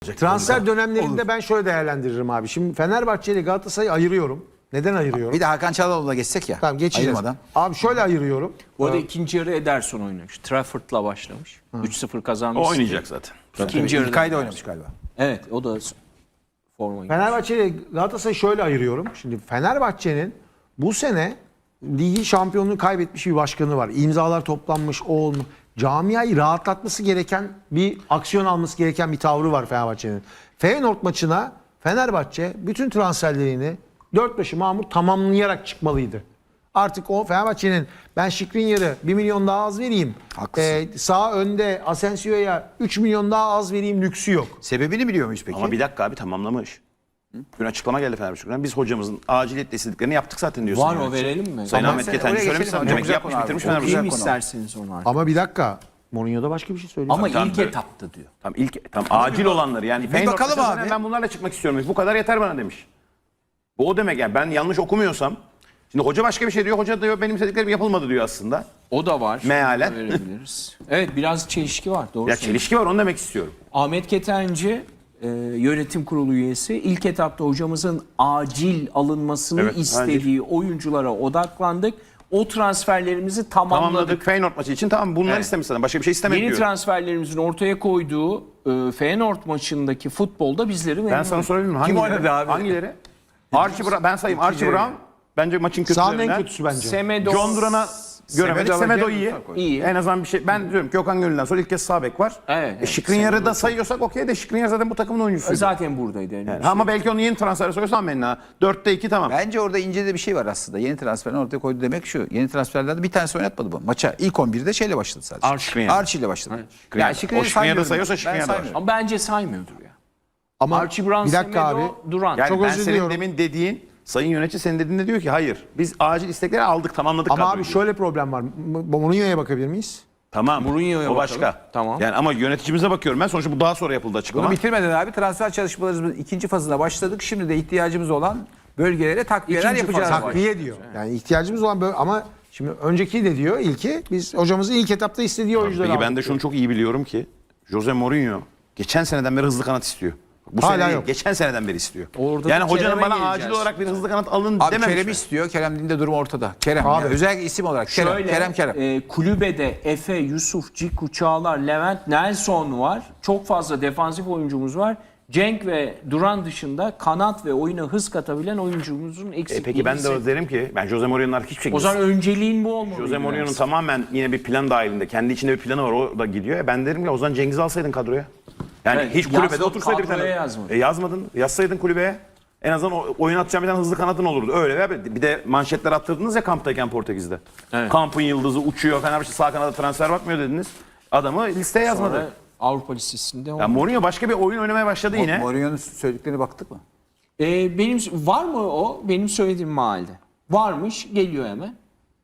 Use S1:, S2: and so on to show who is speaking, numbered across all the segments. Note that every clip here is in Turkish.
S1: Transfer dönemlerinde ben şöyle değerlendiririm abi. Şimdi Fenerbahçe ile Galatasaray'ı ayırıyorum. Neden ayırıyorum?
S2: Bir de Hakan Çalhanoğlu'na geçsek ya.
S1: Tamam, geçeceğiz.
S2: Ayırmadan.
S1: Abi şöyle ayırıyorum.
S3: Bu arada ikinci yarı Ederson oynamış. Trafford'la başlamış. 3-0 kazanmış.
S4: O oynayacak zaten.
S3: İkinci yarıda
S2: İlkay da oynamış galiba.
S3: Evet, o da forma giymiş.
S1: Fenerbahçe ile Galatasaray'ı şöyle ayırıyorum. Şimdi Fenerbahçe'nin bu sene ligi şampiyonluğu kaybetmiş bir başkanı var. İmzalar toplanmış, o olmuş. Camiayı rahatlatması gereken bir aksiyon alması gereken bir tavrı var Fenerbahçe'nin. Feyenoord maçına Fenerbahçe bütün transferlerini dört başı mamur tamamlayarak çıkmalıydı. Artık o Fenerbahçe'nin ben Skriniar'ı 1 milyon daha az vereyim. Sağ önde Asensio'ya 3 milyon daha az vereyim lüksü yok.
S2: Sebebini biliyor muyuz peki?
S4: Ama bir dakika abi tamamlamış. Dün açıklama geldi Fenerbahçe'den. Biz hocamızın aciliyetle istediklerini yaptık zaten diyorsun.
S3: Var o, verelim mi?
S4: Sayın
S2: Tamam,
S4: Ahmet
S2: sen
S4: Ketenci
S2: oraya
S4: söylemiş
S2: geçelim
S4: zaten.
S2: abi.
S4: Demek
S2: Çok
S4: ki yapmış
S2: güzel
S4: bitirmiş
S2: konu abi.
S4: Fenerbahçe.
S3: Okuyayım
S2: konu.
S3: isterseniz onu artık.
S1: Ama bir dakika. Mourinho da başka bir şey söylüyor.
S3: Ama
S4: Tamam,
S3: ilk
S4: tabii.
S3: etapta diyor.
S4: Tam acil olanları yani. Feyenoord
S2: bakalım
S4: mesela
S2: abi.
S4: Ben bunlarla çıkmak istiyorum demiş. Bu kadar yeter bana demiş. Bu o demek yani ben yanlış okumuyorsam. Şimdi hoca başka bir şey diyor. Hoca diyor benim istediklerim yapılmadı diyor aslında.
S3: O da var.
S4: Mealen.
S3: Onu da verebiliriz. Evet, biraz çelişki var. Doğru
S4: Ya
S3: söylüyorsun.
S4: çelişki var onu demek istiyorum.
S3: Ahmet Ketenci yönetim kurulu üyesi ilk etapta hocamızın acil alınmasını
S4: Evet,
S3: istediği oyunculara odaklandık. O transferlerimizi tamamladık.
S4: Tamamladık Feyenoord maçı için tamam bunları
S3: Evet.
S4: istemiş zaten. Başka bir şey istemek
S3: Yeni
S4: diyor.
S3: transferlerimizin ortaya koyduğu Feyenoord maçındaki futbolda bizleri memnun
S4: Ben sana
S3: etti.
S4: sorabilir miyim?
S2: Kim
S4: Hangileri?
S2: oynadı abi?
S4: Hangileri? Archie Brown, ben sayayım. Archie Brown bence maçın
S1: Sağın en
S4: kötülerinden.
S1: kötüsü bence.
S3: Semedo,
S4: John Duran'a göremedik. Semedo iyi.
S3: İyi.
S4: En azından bir şey. Ben diyorum ki Okan Gönül'den sonra ilk kez sağ bek var.
S3: Evet,
S4: Skriniar'ı da sayıyorsak okey de Skriniar zaten bu takımın oyuncusuydu.
S3: zaten buradaydı. Yani.
S4: Ama belki onu yeni transfere soruyorsan Menna. 4'te 2 tamam.
S2: Bence orada ince de bir şey var aslında. Yeni transferini ortaya koydu demek şu. Yeni transferlerde bir tanesi oynatmadı bu. Maça ilk 11'de şeyle başladı sadece.
S4: Skriniar.
S2: Archie ile başladı.
S4: Skriniar.
S2: Yani Skriniar'ı
S4: O Skriniar'ı
S2: saymıyorum.
S4: sayıyorsa
S2: Ben
S4: Skriniar da var.
S2: saymıyorum.
S3: Ama bence saymıyordur ya.
S1: Ama
S3: Archie Brown,
S1: bir dakika
S3: Semedo,
S1: abi.
S3: Duran.
S4: Yani
S1: Çok
S4: ben
S1: özür
S4: senin
S1: diliyorum.
S4: demin dediğin sayın yönetici senin dediğinde diyor ki hayır. Biz acil istekleri aldık tamamladık.
S1: Ama
S4: kadroyu
S1: abi
S4: diyor.
S1: şöyle problem var. Mourinho'ya bakabilir miyiz?
S4: Tamam.
S3: Mourinho'ya
S4: o başka.
S3: bakalım. Tamam.
S4: Yani ama yöneticimize bakıyorum ben. Sonuçta bu daha sonra yapıldı açıklama.
S2: Bunu bitirmeden abi transfer çalışmalarımızın ikinci fazına başladık. Şimdi de ihtiyacımız olan bölgelere takviyeler
S3: İkinci
S2: yapacağız.
S3: faz.
S1: Takviye diyor. Yani ihtiyacımız olan böyle ama şimdi önceki de diyor ilki biz hocamızın ilk etapta istediği oyuncuları
S4: Peki ben
S1: aldık
S4: de şunu çok iyi biliyorum ki Jose Mourinho geçen seneden beri hızlı kanat istiyor. Bu
S1: Hala
S4: sene değil,
S1: yok.
S4: geçen seneden beri istiyor.
S3: Orada
S4: Yani
S3: da
S4: hocanın
S3: Kerem'e
S4: bana
S3: geleceğiz.
S4: acil olarak bir hızlı kanat alın
S2: Abi
S4: dememiş.
S2: Kerem
S4: mi?
S2: istiyor. Kerem'in de durum ortada. Kerem.
S1: Abi.
S2: Yani özellikle isim olarak.
S3: Şöyle,
S2: Kerem.
S3: kulübede Efe, Yusuf, Ciku, Çağlar, Levent, Nelson var. Çok fazla defansif oyuncumuz var. Cenk ve Duran dışında kanat ve oyuna hız katabilen oyuncumuzun eksikliği.
S4: Peki ben de derim ki ben Jose Mourinho'nun artık hiçbir şey
S3: O zaman önceliğin bu olmalı.
S4: Jose Mourinho'nun tamamen yine bir plan dahilinde. Kendi içinde bir planı var. O da gidiyor. Ben derim ki o zaman Cengiz'i alsaydın kadroya. Yani
S3: Evet,
S4: hiç kulübede
S3: yazmadı,
S4: otursaydı bir tane.
S3: kadroya yazmadı.
S4: Yazmadın. Yazsaydın kulübeye. En azından oyun atacağın bir tane hızlı kanadın olurdu. Öyle veya böyle. Bir de manşetler attırdınız ya kamptayken Portekiz'de.
S3: Evet.
S4: Kampın yıldızı uçuyor. Fenerbahçe sağ kanada transfer bakmıyor dediniz. Adamı listeye yazmadı.
S3: Sonra Avrupa listesinde
S4: Ya Mourinho başka bir oyun oynamaya başladı yine.
S2: Mourinho'nun söylediklerine baktık mı?
S3: benim var mı o? Benim söylediğim mahalde. Varmış, geliyor hemen.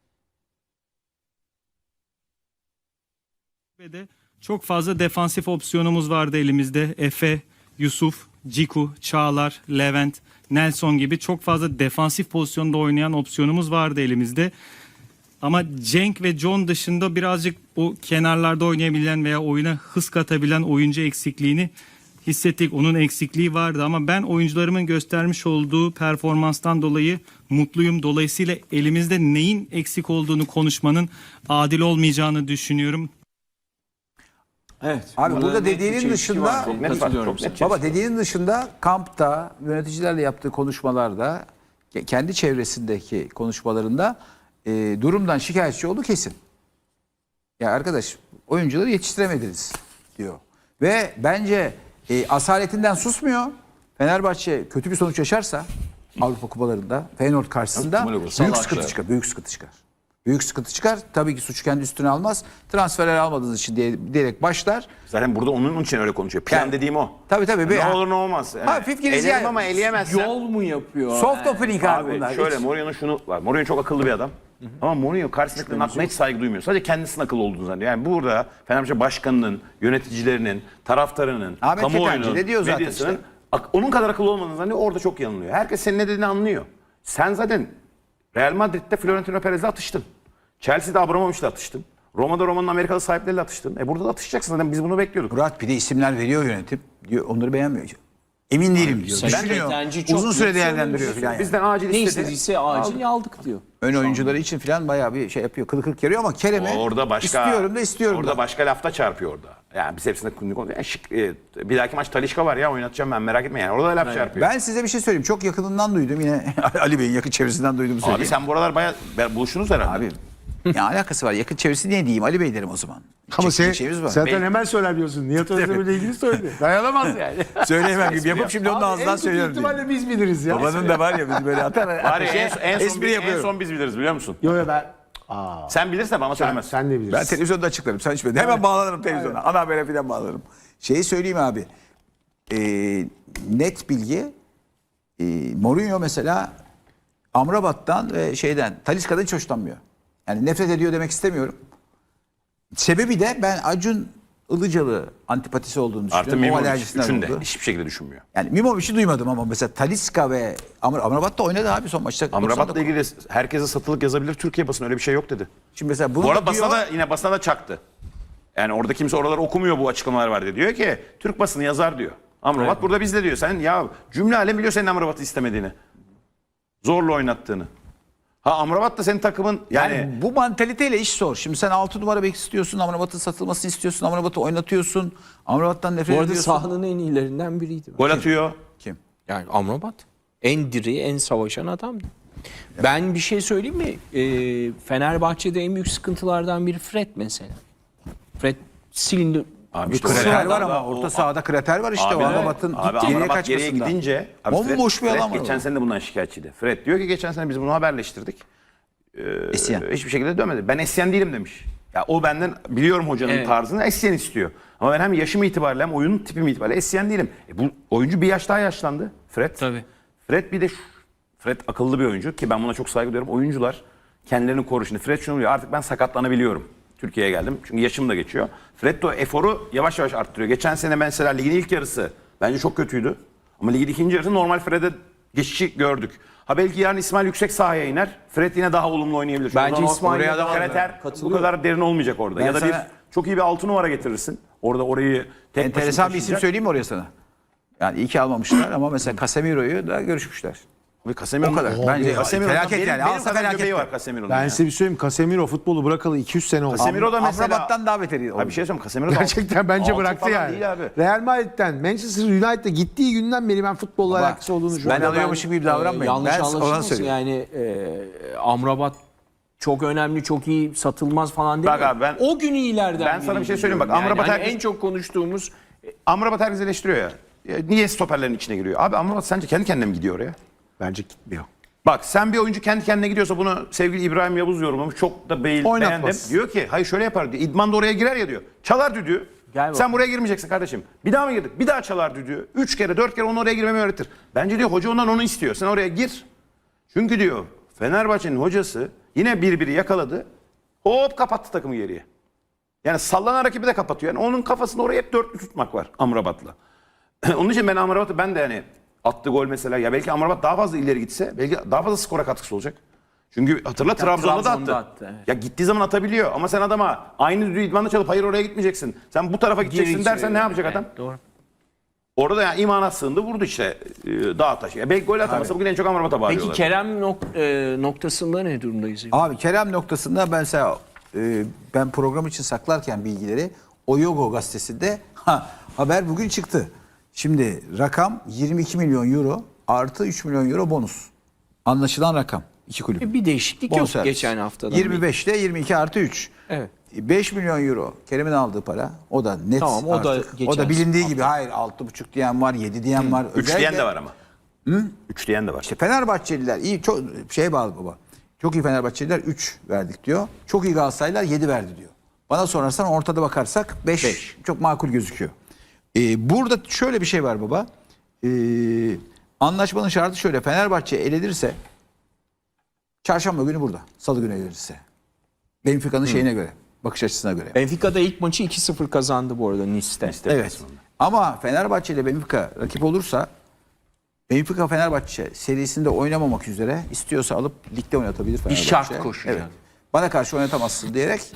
S5: Ve de çok fazla defansif opsiyonumuz vardı elimizde. Efe, Yusuf, Ciku, Çağlar, Levent, Nelson gibi çok fazla defansif pozisyonda oynayan opsiyonumuz vardı elimizde. Ama Cenk ve John dışında birazcık o kenarlarda oynayabilen veya oyuna hız katabilen oyuncu eksikliğini hissettik. Onun eksikliği vardı ama ben oyuncularımın göstermiş olduğu performanstan dolayı mutluyum. Dolayısıyla elimizde neyin eksik olduğunu konuşmanın adil olmayacağını düşünüyorum.
S3: Evet.
S2: Abi
S3: burada
S2: burada
S3: net bir
S2: dediğinin
S3: çelişki
S2: dışında-
S3: var.
S4: Çok net var,
S3: Katılıyorum
S4: çok
S3: sana.
S4: net.
S2: Baba dediğinin dışında kampta yöneticilerle yaptığı konuşmalarda kendi çevresindeki konuşmalarında durumdan şikayetçi oldu kesin. Ya arkadaş oyuncuları yetiştiremediniz diyor. Ve bence asaletinden susmuyor. Fenerbahçe kötü bir sonuç yaşarsa Avrupa kupalarında Feyenoord karşısında büyük sıkıntı çıkar. Büyük sıkıntı çıkar. Büyük sıkıntı çıkar. Tabii ki suçu kendi üstüne almaz. Transferler almadığınız için diyerek başlar.
S4: Zaten burada onun için öyle konuşuyor. Plan
S2: Yani-
S4: dediğim o.
S2: Tabii.
S4: Ne olur ne olmaz.
S2: Hafif giriş
S4: Elerim
S2: yani.
S4: ama eleyemezsen.
S3: Yol mu yapıyor?
S2: Soft opening abi
S4: Abi
S2: bunlar.
S4: şöyle
S2: Hiç-
S4: Mourinho'nun şunu var. Mourinho çok akıllı bir adam. Ama Mourinho karşısındakilerin aklına hiç saygı duymuyor. Sadece kendisinin akıllı olduğunu zannediyor. Yani burada Fenerbahçe başkanının, yöneticilerinin, taraftarının,
S2: Ahmet
S4: kamuoyunun,
S2: Ketenci de diyor zaten
S4: medyasının
S2: işte.
S4: onun kadar akıllı olmadığını zannediyor. Orada çok yanılıyor. Herkes senin ne dediğini anlıyor. Sen zaten Real Madrid'de Florentino Perez'le atıştın. Chelsea'de Abramovich'le atıştın. Roma'da Roma'nın Amerikalı sahipleriyle atıştın. Burada da atışacaksın zaten, biz bunu bekliyorduk.
S2: Murat bir de isimler veriyor yönetim. Diyor, onları beğenmiyor. Emin değilim diyor. Düşünüyor.
S3: Bence çok
S2: Uzun süre
S3: net
S2: değerlendiriyor falan yani.
S4: Bizden acil
S3: Ne
S4: istedi.
S3: istediyse acil aldık diyor.
S2: Ön oyuncuları için falan bayağı bir şey yapıyor. Kılı kırk yarıyor ama Kerem'e
S4: Orada başka
S2: istiyorum
S4: orada
S2: da.
S4: başka lafta çarpıyor orada. Yani biz hepsinde konuşuyoruz. Yani bir dahaki maç Talisca var ya, oynatacağım ben, merak etme yani. Orada da laf çarpıyor.
S2: Ben size bir şey söyleyeyim. Çok yakınından duydum yine. Ali Bey'in yakın çevresinden duydum söyleyeyim.
S4: Abi sen buralar bayağı buluştunuz herhalde.
S2: Abi ne alakası var? Yakın çevresi ne diyeyim? Ali Bey derim o zaman.
S1: Ama
S2: Çekecek şeyimiz var.
S1: zaten hemen söylemiyorsun. Nihat Özdemir'le ilgili söyledi. Dayanamaz yani.
S2: Söyleyemem gibi yapıp şimdi onun ağzından
S1: En
S2: söylüyorum.
S1: kötü ihtimalle biz biliriz ya.
S2: Babanın da var ya biz böyle atar.
S4: Var ya, en
S2: espri
S4: en
S2: yapıyorum.
S4: son biz biliriz, biliyor musun?
S1: Yo ben.
S4: Sen bilirsen bana söylemez.
S1: Sen de bilirsin.
S2: Ben televizyonda açıklarım. Sen hiç bilmedin. Hemen bağlanırım televizyona. Ana habere falan bağlanırım. Şeyi söyleyeyim abi. Net bilgi. Mourinho mesela Amrabat'tan ve Talisca'dan hiç hoşlanmıyor. Yani nefret ediyor demek istemiyorum. Sebebi de ben Acun Ilıcalı antipatisi olduğunu düşünüyorum.
S4: Artı
S2: O
S4: Mimovic
S2: alerjisinden
S4: üçünde
S2: oldu.
S4: hiçbir şekilde düşünmüyor.
S2: Yani Mimovic'i duymadım ama mesela Talisca ve Amrabat da oynadı abi son maçta.
S4: Amrabat'la ilgili herkese satılık yazabilir, Türkiye basını öyle bir şey yok dedi.
S2: Şimdi mesela bunu
S4: Bu arada
S2: da diyor,
S4: basına da çaktı. Yani orada kimse oraları okumuyor, bu açıklamalar var diye. Diyor ki Türk basını yazar diyor. Amrabat burada bizde diyor. Sen ya cümle alem biliyor senin Amrabat'ı istemediğini. Zorla oynattığını. Amrabat da senin takımın yani
S2: bu mantaliteyle iş zor. Şimdi sen 6 numara bek istiyorsun, Amrabat'ın satılmasını istiyorsun, Amrabat'ı oynatıyorsun. Amrabat'tan nefret
S3: Bu arada
S2: ediyorsun.
S3: sahanın en iyilerinden biriydi.
S4: gol atıyor.
S2: Kim?
S3: Yani Amrabat en diri, en savaşan adamdı. Ben bir şey söyleyeyim mi? Fenerbahçe'de en büyük sıkıntılardan biri Fred mesela. Fred silindi.
S4: Abi
S2: Bir
S4: işte
S2: krater
S4: o-
S2: var ama orta sahada krater var işte. O Amrabat'ın geriye
S4: Amrabat geriye
S2: kaçmasında.
S4: gidince
S2: Bomboş bir alan var
S4: geçen
S2: orada.
S4: sene de bundan şikayetçiydi. Fred diyor ki geçen sene biz bunu haberleştirdik.
S2: Essien.
S4: Hiçbir şekilde dönmedi. Ben Essien değilim demiş. Ya o benden biliyorum hocanın
S3: Evet.
S4: tarzını, Essien istiyor. Ama ben hem yaşım itibariyle hem oyunun tipim itibariyle Essien değilim. Bu oyuncu bir yaş daha yaşlandı. Fred.
S3: Tabii.
S4: Fred bir de Fred akıllı bir oyuncu ki ben buna çok saygı duyuyorum. Oyuncular kendilerini korur. Şimdi Fred şunu diyor, artık ben sakatlanabiliyorum. Türkiye'ye geldim çünkü yaşım da geçiyor. Fred de o eforu yavaş yavaş arttırıyor. Geçen sene mesela ligin ilk yarısı bence çok kötüydü. Ama ligin ikinci yarısı normal Fred'e geçişi gördük. Belki yarın İsmail yüksek sahaya iner. Fred yine daha olumlu oynayabilir. Çünkü
S3: Bence
S4: o zaman
S3: İsmail
S4: oraya da
S3: daha
S4: krater bu
S3: katılıyorum.
S4: kadar derin olmayacak orada.
S2: Ben
S4: ya da
S2: sana-
S4: çok iyi bir 6 numara getirirsin. Orayı tek
S2: Enteresan
S4: başına
S2: bir isim
S4: taşıyacak.
S2: söyleyeyim mi oraya sana? Yani iyi ki almamışlar ama mesela Casemiro'yu da görüşmüşler.
S4: Abi Casemiro'nun-
S2: O kadar. Bence
S4: Casemiro'nun
S2: felaket
S4: benim
S2: yani.
S4: kadar
S2: Alsa felaket
S4: göbeği
S2: de.
S4: var Casemiro'nun.
S1: Ben
S4: ya.
S1: size bir söyleyeyim. Casemiro futbolu bırakalı 200 sene oldu.
S4: Casemiro da mesela
S2: Amrabat'tan daha beteri oldu.
S4: Abi bir şey söyleyeyim, Casemiro da
S1: Gerçekten bence
S4: altı
S1: bıraktı
S4: falan
S1: yani.
S4: değil abi.
S1: Real Madrid'den Manchester United'a gittiği günden beri ben futbolla alakası olduğunu
S2: ben
S1: düşünüyorum.
S2: alıyormuşum gibi davranmayın.
S3: Yanlış
S2: Ben ona
S3: anlaşılmasın
S2: söylüyorum.
S3: yani Amrabat çok önemli, çok iyi, satılmaz falan değil.
S4: Bak abi ben-
S3: o gün iyilerden
S4: Ben sana bir şey
S3: biriydi
S4: söyleyeyim bak,
S3: diyorum.
S4: Amrabat
S3: yani
S4: herkes-
S3: en çok konuştuğumuz
S4: Amrabat herkes eleştiriyor ya. Niye stoperlerin içine giriyor? Abi Amrabat sence kendi kendine mi gidiyor oraya?
S1: Bence gitmiyor.
S4: Bak sen bir oyuncu kendi kendine gidiyorsa, bunu sevgili İbrahim Yavuz yorumlamış. Çok da beğendim.
S1: Oynatmaz.
S4: Diyor ki hayır şöyle yapar diyor. İdman da oraya girer ya diyor. Çalar düdüğü.
S3: Gel
S4: Sen buraya girmeyeceksin kardeşim. Bir daha mı girdik? Bir daha çalar düdüğü. 3 kere 4 kere onu oraya girmemi öğretir. Bence diyor hoca ondan onu istiyor. Sen oraya gir. Çünkü diyor Fenerbahçe'nin hocası yine birbiri yakaladı. Hop kapattı takımı geriye. Yani sallanan rakibi de kapatıyor. Yani onun kafasında oraya hep dörtlü tutmak var Amrabat'la. Onun için ben Amrabat'ı ben de hani attığı gol mesela, ya belki Amrabat daha fazla ileri gitse belki daha fazla skora katkısı olacak. Çünkü hatırla Trabzon'da da attı.
S3: Trabzon'da attı, evet.
S4: Ya gittiği zaman atabiliyor ama sen adama aynı düdüğü idmanda çalıp hayır oraya gitmeyeceksin, sen bu tarafa gideceksin dersen ne yapacak adam?
S3: Doğru.
S4: Orada yani imana sığındı, vurdu işte dağa taşı. Ya belki gol atamasa bugün en çok Amrabat'a bağırıyorlar.
S3: Peki Kerem noktasında ne durumdayız?
S2: Abi Kerem noktasında ben mesela ben program için saklarken bilgileri Oyogo gazetesinde haber bugün çıktı. Şimdi rakam 22 milyon euro artı 3 milyon euro bonus. Anlaşılan rakam. İki kulüp.
S3: Bir değişiklik yok
S2: Bonservis.
S3: geçen haftadan.
S2: 25'te 22 artı 3.
S3: Evet.
S2: 5 milyon euro Kerem'in aldığı para. O da net
S3: Tamam, o da
S2: artık.
S3: geçen
S2: O da bilindiği gibi hayır 6,5 diyen var, 7 diyen var.
S4: 3 diyen
S2: Özellikle-
S4: de var ama. 3 diyen de var.
S2: İşte Fenerbahçeliler iyi çok şeye bağlı baba. Çok iyi Fenerbahçeliler 3 verdik diyor. Çok iyi Galatasaraylılar 7 verdi diyor. Bana sorarsan ortada bakarsak 5 çok makul gözüküyor. Burada şöyle bir şey var baba. Anlaşmanın şartı şöyle. Fenerbahçe elenirse çarşamba günü burada. Salı günü elenirse. Benfica'nın şeyine göre. Bakış açısına göre.
S3: Benfica'da ilk maçı 2-0 kazandı bu arada Nice'te.
S2: Evet. Ama Fenerbahçe ile Benfica rakip olursa Benfica Fenerbahçe serisinde oynamamak üzere istiyorsa alıp ligde oynatabilir Fenerbahçe.
S3: şart koşacak.
S2: Evet. Bana karşı oynatamazsın diyerek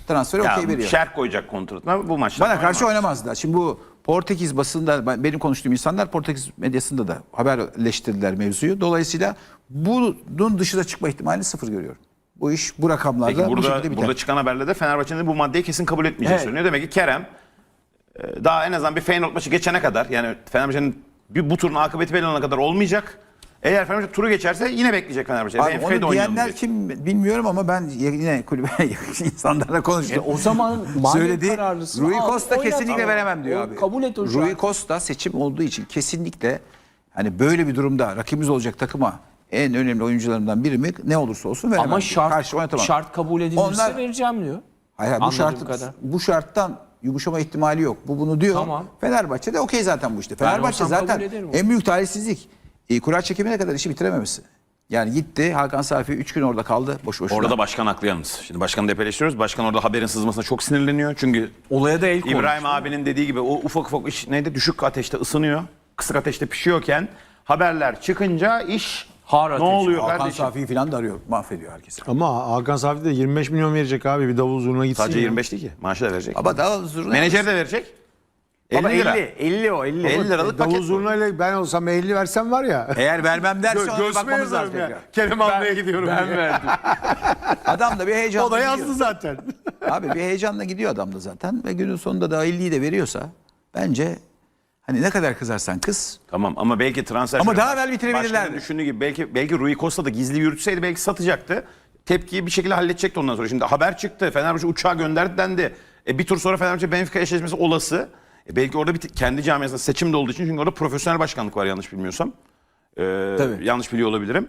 S2: transferi okey
S4: Ya
S2: veriyor.
S4: şerh koyacak kontratına bu maçta.
S2: Bana karşı oynamazlar. Şimdi bu Portekiz basında benim konuştuğum insanlar Portekiz medyasında da haberleştirdiler mevzuyu. Dolayısıyla bunun dışına çıkma ihtimalini sıfır görüyorum. Bu iş bu rakamlarda
S4: Peki
S2: bu şekilde biter.
S4: burada çıkan haberlerde Fenerbahçe'nin bu maddeyi kesin kabul etmeyeceği söyleniyor. Demek ki Kerem daha en azından bir Feyenoord maçı geçene kadar, yani Fenerbahçe'nin bu turun akıbeti belli olana kadar olmayacak. Eğer Fenerbahçe turu geçerse yine bekleyecek Fenerbahçe.
S2: Abi
S4: Benfica'yı da
S2: onu
S4: oynayalım
S2: diyenler
S4: diyecek.
S2: kim bilmiyorum ama ben yine kulübe yakın insanlarla konuştum.
S3: O zaman manevi
S2: Söyledi.
S3: kararlısın.
S2: Rui
S3: Al,
S2: Costa
S3: oynat
S2: kesinlikle
S3: ama.
S2: veremem diyor abi.
S3: Kabul et hocam.
S2: Rui Costa seçim olduğu için kesinlikle hani böyle bir durumda rakibimiz olacak takıma en önemli oyuncularından biri mi ne olursa olsun veremem.
S3: Ama
S2: diyor. Karşı oynatamam.
S3: şart kabul edilirse
S2: Onlar-
S3: vereceğim diyor.
S2: Hayır,
S3: Anladığım kadar.
S2: bu şarttan yumuşama ihtimali yok. Bu bunu diyor.
S3: Tamam.
S2: Fenerbahçe de okey zaten bu işte. Fenerbahçe
S3: olsam
S2: zaten
S3: kabul ederim onu.
S2: en büyük talihsizlik. Kura çekimine kadar işi bitirememesi. Yani gitti Hakan Safi 3 gün orada kaldı boş boşuna.
S4: Orada da başkan haklı yalnız. Şimdi başkanı depeleştiriyoruz. Başkan orada haberin sızmasına çok sinirleniyor. Çünkü
S3: Olaya da el koymuş.
S4: İbrahim abinin dediği gibi o ufak ufak iş neydi? Düşük ateşte ısınıyor. Kısık ateşte pişiyorken haberler çıkınca iş
S3: Har
S4: ne
S3: ateş.
S4: oluyor
S2: Hakan
S4: kardeşim?
S2: Safi'yi falan da arıyor. Mahvediyor herkesi.
S1: Ama Hakan Safi de 25 milyon verecek abi. Bir davul zurna gitsin.
S4: Sadece
S1: ya.
S4: 25 değil ki. Maaşı da verecek.
S2: Ama daha zurna.
S4: Menajer de verecek. 50 lira. 50 o 50. 50 liralık
S1: Davul
S4: paket bu.
S1: zurnayla ben olsam 50 versem var ya.
S2: Eğer vermem derse ona bir bakmamız lazım tekrar.
S1: Kerem almaya gidiyorum.
S3: Ben verdim.
S2: Adam da bir heyecanla
S1: O da
S2: gidiyor.
S1: yazdı zaten.
S2: Abi bir heyecanla gidiyor adam da zaten. Ve günün sonunda da 50'yi de veriyorsa bence hani ne kadar kızarsan kız.
S4: Tamam ama belki transfer...
S2: Ama daha evvel bitirebilirlerdi.
S4: Başkanın düşündüğü gibi belki Rui Costa da gizli yürütseydi belki satacaktı. Tepkiyi bir şekilde halledecekti ondan sonra. Şimdi haber çıktı. Fenerbahçe uçağı gönderdi dendi. Bir tur sonra Fenerbahçe Benfica eşleşmesi olası. Belki orada kendi camiasında seçim de olduğu için, çünkü orada profesyonel başkanlık var yanlış bilmiyorsam.
S2: Tabii.
S4: Yanlış biliyor olabilirim.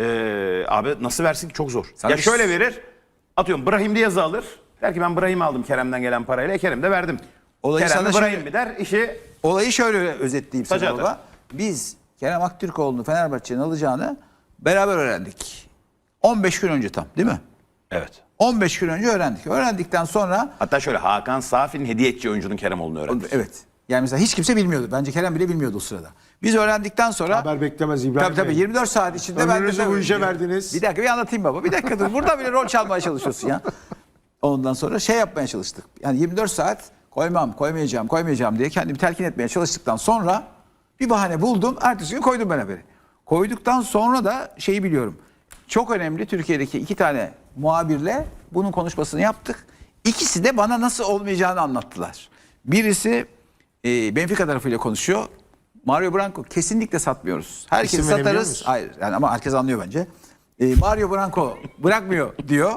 S4: Abi nasıl versin ki, çok zor.
S2: Sana
S4: ya
S2: bir-
S4: şöyle verir. Atıyorum Brahim diye yazı alır. Der ki ben Brahim'i aldım Kerem'den gelen parayla. Kerem de verdim.
S2: Olayı
S4: Kerem
S2: sana
S4: de Brahim
S2: şöyle-
S4: mi der. İşi
S2: Olayı şöyle özetleyeyim sana
S4: Taca
S2: baba. Biz Kerem Aktürkoğlu'nu Fenerbahçe'nin alacağını beraber öğrendik. 15 gün önce tam değil mi?
S4: evet.
S2: 15 gün önce öğrendik. Öğrendikten sonra
S4: Hatta şöyle Hakan Safi'nin hediye edeceği oyuncunun Kerem olduğunu öğrendi.
S2: evet. Yani mesela hiç kimse bilmiyordu. Bence Kerem bile bilmiyordu o sırada. Biz öğrendikten sonra
S1: Haber beklemez İbrahim
S2: tabii
S1: Bey.
S2: 24 saat içinde
S1: Ömrünüzü
S2: de
S1: bu işe verdiniz.
S2: Bir dakika bir anlatayım baba. Bir dakika dur. Burada bile rol çalmaya çalışıyorsun ya. Ondan sonra şey yapmaya çalıştık. Yani 24 saat koymayacağım diye kendimi telkin etmeye çalıştıktan sonra bir bahane buldum. Ertesi gün koydum ben haberi. Koyduktan sonra da şeyi biliyorum. Çok önemli, Türkiye'deki 2 tane muhabirle bunun konuşmasını yaptık. İkisi de bana nasıl olmayacağını anlattılar. Birisi Benfica tarafıyla konuşuyor. Mario Branco kesinlikle satmıyoruz. Herkes
S1: İsim verebiliyor
S2: satarız.
S1: musun?
S2: Hayır yani ama herkes anlıyor bence. Mario Branco bırakmıyor diyor.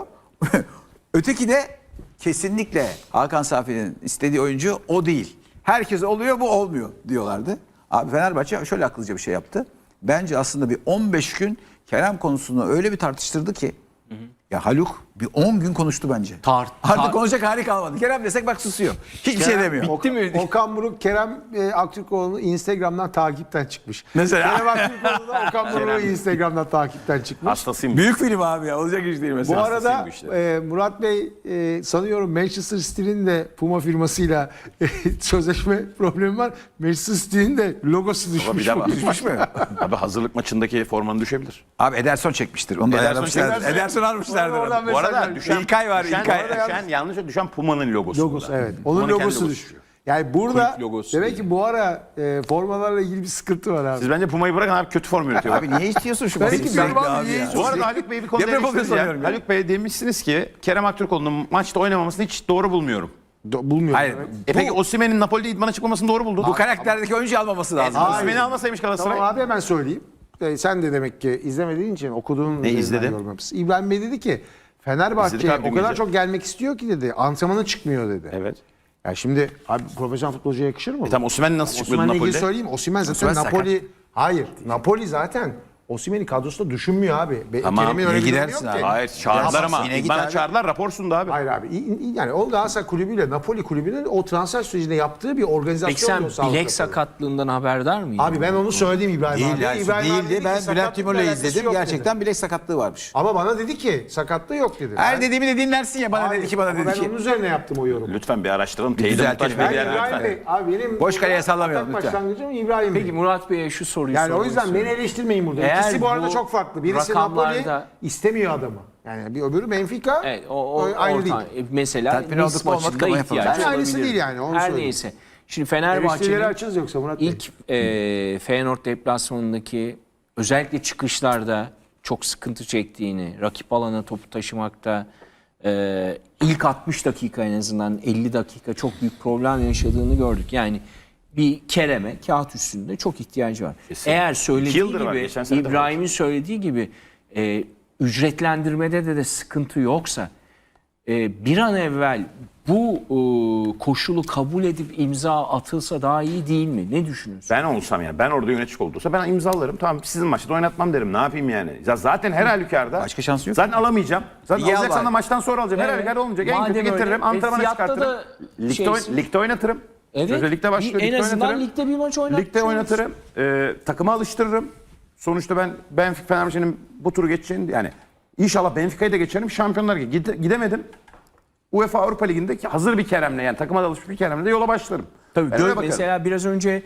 S2: Öteki de kesinlikle Hakan Safi'nin istediği oyuncu o değil. Herkes oluyor, bu olmuyor diyorlardı. Abi Fenerbahçe şöyle akıllıca bir şey yaptı. Bence aslında bir 15 gün Kerem konusunu öyle bir tartıştırdı ki. Ya Haluk bir 10 gün konuştu bence. Artık konuşacak hali kalmadı. Kerem desek bak susuyor. Hiçbir şey demiyor.
S3: Bitti mi?
S1: Okan Buruk Kerem Aktürkoğlu'nu Instagram'dan takipten çıkmış.
S2: Mesela.
S1: Kerem Aktürkoğlu da Okan Buruk'u Instagram'dan takipten çıkmış.
S4: Hastasıyım.
S2: Büyük film abi ya. Olacak iş değil
S1: Bu
S2: mesela.
S1: arada
S4: bu işler.
S1: Murat Bey sanıyorum Manchester City'nin de Puma firmasıyla sözleşme problemi var. Manchester City'nin de logosu
S4: Ama
S1: düşmüş.
S4: bir daha
S2: Düşmüş mü?
S4: Abi hazırlık maçındaki formanı düşebilir.
S2: Abi Ederson çekmiştir. Onu da
S4: Ederson
S2: ayarlamışlardır.
S4: çekmezse-
S2: Ederson almışlardır.
S1: Oradan
S2: onu.
S1: mesaj
S4: Bu arada
S1: vermiş.
S4: düşen
S2: İlkay var, İlkay.
S4: Yanlışa düşen Puma'nın logosu.
S1: Logosu
S4: burada.
S1: evet. Onun
S4: Puma'nın kendi
S1: logosu
S4: logosu
S1: düşüyor. Yani burada
S3: Kulüp logosu
S1: demek ki bu ara formalarla ilgili bir sıkıntı var abi.
S4: Siz bence Puma'yı bırakın abi, kötü form üretiyor.
S2: Abi niye istiyorsun şu
S1: Peki,
S2: basını
S1: ben
S2: sürekli
S1: vallahi
S2: abi
S1: niye
S2: ya?
S1: istiyorsun?
S4: Bu arada Haluk Bey bir konuda
S2: Deprem
S4: eleştiririz
S2: oluyor
S4: ya.
S2: sanıyorum ya.
S4: Haluk Bey demişsiniz ki Kerem Aktürkoğlu'nun maçta oynamasını hiç doğru bulmuyorum.
S1: Bulmuyorum.
S2: Hayır.
S4: Peki Osimhen'in Napoli'de idmana çıkmamasını doğru buldun.
S2: Bu karakterdeki oyuncu almaması lazım.
S4: Osimhen'i almasaymış Galatasaray.
S1: Tamam abi hemen söyleyeyim. Sen de demek ki izlemediğin için okuduğun üzerinden
S4: izledim?
S1: yorum yapmışsın. İbrahim Bey dedi ki Fenerbahçe
S4: İzledik abi,
S1: o
S4: dün
S1: kadar
S4: gece.
S1: çok gelmek istiyor ki dedi. Antrenmana çıkmıyor dedi.
S4: Evet.
S1: Ya şimdi abi profesyonel futbolcuya yakışır mı?
S4: Tamam, Osimhen nasıl çıkmıyordu
S1: Osimhen'le ilgili
S4: Napoli'de?
S1: söyleyeyim. Osimhen zaten
S2: Osimhen sakat.
S1: Napoli... Hayır. Napoli zaten Osimhen'i kadrosunda düşünmüyor abi.
S4: Tamam,
S1: Kerem'in
S2: niye
S1: öyle bir durumu
S2: gidersin
S1: yok
S2: abi?
S1: ki.
S4: Hayır çağırdılar ama.
S2: yine git
S4: Bana
S2: abi.
S4: çağırdılar, rapor sundu abi.
S1: Hayır abi. Yani o Galatasaray kulübüyle Napoli kulübünün o transfer sürecinde yaptığı bir organizasyon.
S3: Peki sen
S1: oluyor sağlık
S3: bilek
S1: raporu.
S3: sakatlığından haberdar mıydın?
S1: Abi ben onu söyledim İbrahim
S2: Değil
S1: abi.
S2: yani,
S1: İbrahim abi dedi
S2: değildi.
S1: ki
S2: Ben
S1: sakatlıkla
S2: Bülent Timur'la
S1: alakası
S2: izledim.
S1: yok
S2: Gerçekten bilek sakatlığı varmış.
S1: Ama bana dedi ki sakatlığı yok dedi.
S2: Her dediğimi de dinlersin ya. Bana
S1: Hayır,
S2: dedi ki bana
S1: ama
S2: dedi
S1: ben
S2: ki.
S1: onun üzerine yaptım o yorumu.
S4: Lütfen bir araştıralım. Teyide
S2: düzeltelim.
S4: muhtaç
S1: Ben
S4: bir yer
S1: İbrahim
S4: lütfen.
S1: Bey, abi benim
S2: Boş kaleye
S1: atak
S2: sallamayalım lütfen.
S1: başlangıcım İbrahim Bey.
S3: Peki Murat Bey'e şu soruyu
S1: Yani o
S3: sormak
S1: yüzden
S3: istiyorum.
S1: beni eleştirmeyin burada.
S3: Eğer
S1: İkisi bu arada
S3: bu
S1: çok farklı. Birisi Napoli
S3: rakamlarda-
S1: istemiyor adamı. Yani bir öbürü Benfica.
S3: Evet, o
S1: aynı değil.
S3: Mesela
S2: Tatmin
S3: Nice
S2: olduk mu, olmadık
S3: maçında
S2: ama
S3: ihtiyaç
S2: yapalım.
S1: Bence aynısı
S3: olabilir.
S1: değil yani, onu
S3: Her
S1: söyleyeyim.
S3: neyse. Şimdi
S1: Eleştirileri
S3: Fenerbahçe'nin
S1: açığız yoksa Murat Bey.
S3: ilk Feyenoord deplasmanındaki özellikle çıkışlarda çok sıkıntı çektiğini, rakip alana topu taşımakta ilk 60 dakika en azından 50 dakika çok büyük problem yaşadığını gördük. Yani bir Kerem'e kağıt üstünde çok ihtiyacı var.
S4: Kesinlikle.
S3: Eğer
S4: 2
S3: söylediği
S4: yıldır var,
S3: gibi,
S4: geçen sene de var.
S3: İbrahim'in söylediği gibi ücretlendirmede de sıkıntı yoksa bir an evvel bu koşulu kabul edip imza atılsa daha iyi değil mi? Ne düşünüyorsun?
S4: Ben olsam yani, ben orada yönetici olursa ben imzalarım. Tamam, sizin maçta oynatmam derim. Ne yapayım yani? Ya zaten her halükarda.
S2: Başka şansı yok.
S4: Zaten alamayacağım. Zaten
S2: İyi
S4: alacaksan
S2: al
S4: da maçtan sonra alacağım. Her
S3: Evet.
S4: halükarda olmayacak. En
S3: Madem
S4: kötü
S3: öyle,
S4: getiririm. Antrenmana
S3: fiyatta
S4: çıkartırım.
S3: da
S4: Ligde oynatırım.
S3: Evet.
S4: Sözde ligde başlıyor.
S3: En
S4: ligde
S3: azından
S4: oynatırım.
S3: ligde bir maç oynatmış
S4: Ligde
S3: olursun.
S4: oynatırım. Takıma alıştırırım. Sonuçta ben Benfica Fenerbahçe'nin bu turu geçeceğini, yani inşallah Benfica'yı da geçerim. Şampiyonlar Ligi. Gidemedim. UEFA Avrupa Ligi'nde hazır bir Kerem'le, yani takıma da alışmış bir Kerem'le de yola başlarım.
S3: Tabii
S4: Ben öyle bakarım.
S3: mesela biraz önce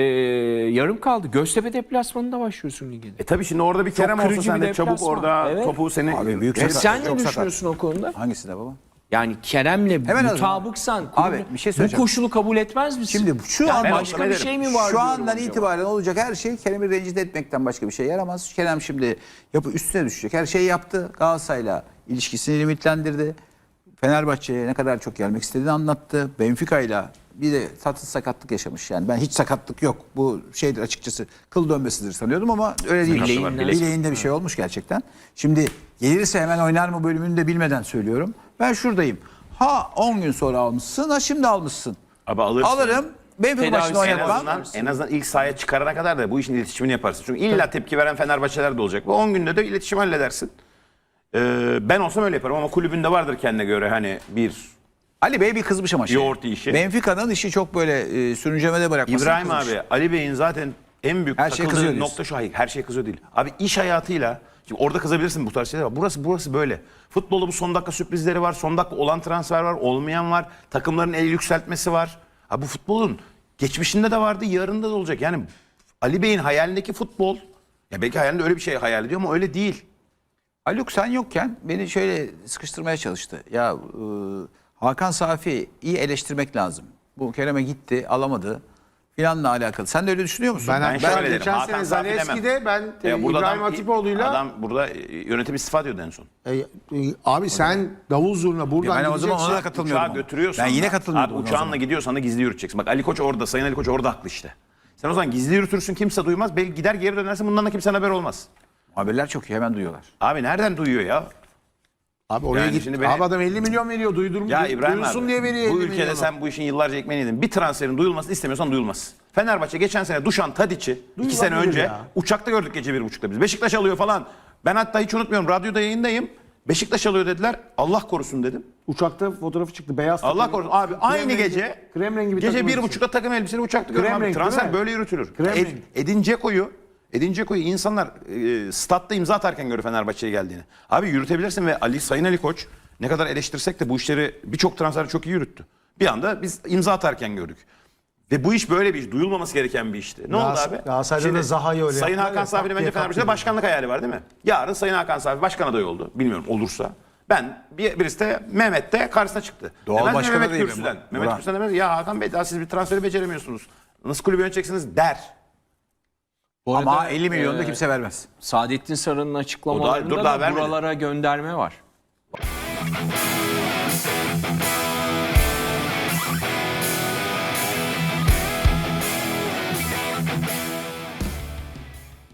S3: yarım kaldı. Göztepe deplasmanında başlıyorsun ligde.
S4: Tabii şimdi orada bir Kerem olsa
S3: kırıcı
S4: sen
S3: bir
S4: de çabuk
S3: deplasman.
S4: orada
S3: Evet.
S4: topu seni...
S2: Abi büyük
S4: Evet.
S2: sakat.
S3: Sen ne
S2: çok sakat.
S3: düşünüyorsun o konuda?
S2: Hangisi de baba?
S3: Yani Kerem'le
S2: Hemen
S3: mutabıksan
S2: Abi, bir şey
S3: bu
S2: söyleyeceğim.
S3: koşulu kabul etmez misin?
S2: Şimdi şu
S3: Yani
S2: an
S4: ben
S3: başka
S4: olsam
S3: bir
S4: ederim.
S3: şey mi var?
S2: Şu
S3: diyorum
S2: andan
S3: acaba?
S2: itibaren olacak her şey Kerem'i rencide etmekten başka bir şey yaramaz. Kerem şimdi üstüne düşecek. Her şeyi yaptı. Galatasaray'la ilişkisini limitlendirdi. Fenerbahçe'ye ne kadar çok gelmek istediğini anlattı. Benfica'yla bir de tatsız sakatlık yaşamış. Yani ben hiç sakatlık yok. Bu şeydir açıkçası, kıl dönmesi sanıyordum ama öyle değil.
S3: Bileğinden.
S2: Bileğinde bir şey olmuş gerçekten. Şimdi gelirse hemen oynar mı bölümünü de bilmeden söylüyorum. Ben şuradayım. Ha 10 gün sonra almışsın, ha şimdi almışsın.
S4: Abi alırsın.
S2: Alırım. Benfica
S3: Tedavisi
S2: maçını
S4: En
S2: oynatmam.
S4: azından ilk sahaya çıkarana kadar da bu işin iletişimini yaparsın. Çünkü illa tepki veren Fenerbahçeler de olacak. Bu 10 günde de iletişim halledersin. Ben olsam öyle yaparım ama kulübünde vardır kendine göre hani bir
S2: Ali Bey bir kızmış ama şey.
S4: Yoğurt işi.
S2: Benfica'nın işi çok böyle sürüncemede bırakması.
S4: İbrahim abi, Ali Bey'in zaten en büyük
S2: Her şey kızıyor
S4: takıldığı
S2: diyorsun.
S4: nokta şu. Hayır, her şey kızıyor değil. Abi iş hayatıyla, şimdi orada kızabilirsin bu tarz şeyler var. Burası böyle. Futbolda bu son dakika sürprizleri var. Son dakika olan transfer var, olmayan var. Takımların el yükseltmesi var. Abi bu futbolun geçmişinde de vardı, yarında da olacak. Yani Ali Bey'in hayalindeki futbol, ya belki hayalinde öyle bir şey hayal ediyor ama öyle değil.
S2: Haluk sen yokken beni şöyle sıkıştırmaya çalıştı. Ya Hakan Safi'yi iyi eleştirmek lazım. Bu Kerem'e gitti, alamadı filanla alakalı. Sen de öyle düşünüyor musun?
S1: Ben
S4: şöyle derim,
S1: geçen
S4: Hakan
S1: sene
S4: Safi demem.
S1: Zaleski'de ben
S4: Burada
S1: İbrahim
S4: adam-
S1: Hatipoğlu'yla
S4: Adam burada yönetim istifa ediyordu en son.
S1: abi sen davul zurna buradan
S2: ben o zaman
S1: gideceksin.
S2: ona da katılmıyordum.
S4: Uçağa götürüyorsan
S2: Ben yine
S4: da-
S2: katılmıyordum.
S4: Abi
S2: ona o
S4: uçağınla
S2: zaman.
S4: gidiyorsan da gizli yürüteceksin. Bak Ali Koç orada, Sayın Ali Koç orada haklı işte. Sen o zaman gizli yürütürsün, kimse duymaz. Belki gider geri dönersin, bundan da kimsenin haber olmaz.
S2: Haberler çok iyi, hemen duyuyorlar.
S4: Abi nereden duyuyor ya?
S1: Abi oraya
S4: Yani
S1: git.
S4: şimdi beni-
S1: Abi adam 50 milyon veriyor.
S4: Ya İbrahim
S1: duyulsun
S4: abi,
S1: diye veriyor
S4: bu
S1: 50
S4: ülkede
S1: milyonu.
S4: sen bu işin yıllarca ekmeğini yedin. Bir transferin duyulmasını istemiyorsan duyulmaz. Fenerbahçe geçen sene Dušan Tadić'i 2 sene
S1: Duyulabilir
S4: önce
S1: ya.
S4: uçakta gördük gece 1.30'da biz. Beşiktaş alıyor falan. Ben hatta hiç unutmuyorum, radyoda yayındayım. Beşiktaş alıyor dediler. Allah korusun dedim.
S1: Uçakta fotoğrafı çıktı. Beyaz
S4: Allah
S1: takım.
S4: korusun. Abi aynı
S1: rengi-
S4: gece
S1: krem rengi bir
S4: gece
S1: takım
S4: 1.30'da takım elbiseli uçakta gördüm abi.
S1: renk,
S4: Transfer
S1: değil mi?
S4: böyle yürütülür.
S1: Krem renk.
S4: Edin Dzeko'yu insanlar statta imza atarken görüyor Fenerbahçe'ye geldiğini. Abi yürütebilirsin ve Sayın Ali Koç ne kadar eleştirsek de bu işleri, birçok transferi çok iyi yürüttü. Bir anda biz imza atarken gördük. Ve bu iş böyle bir iş. Duyulmaması gereken bir işti. Ne oldu abi?
S1: Galatasaray'da da Zaha'yı öyle
S4: Sayın
S1: yaptılar
S4: Hakan
S1: ya,
S4: Safi'nin
S1: tak
S4: bence
S1: diye
S4: Fenerbahçe'de
S1: kalktı.
S4: başkanlık hayali var değil mi? Yarın Sayın Hakan Safi başkan adayı oldu. Bilmiyorum olursa. Birisi de Mehmet de karşısına çıktı.
S2: Doğal
S4: Demez mi
S2: başkan
S4: Mehmet
S2: adayı mı?
S4: Gürsü'den.
S2: Murat.
S4: Mehmet Gürsü'den demez ya Hakan Bey daha siz bir transferi beceremiyorsunuz. Nasıl kulübü yöneteceksiniz der.
S3: Bu
S2: Ama
S3: arada,
S2: 50 milyon da kimse vermez.
S3: Saadettin Saran'ın açıklamalarında
S4: dur, daha
S3: da
S4: vermedi.
S3: buralara gönderme var.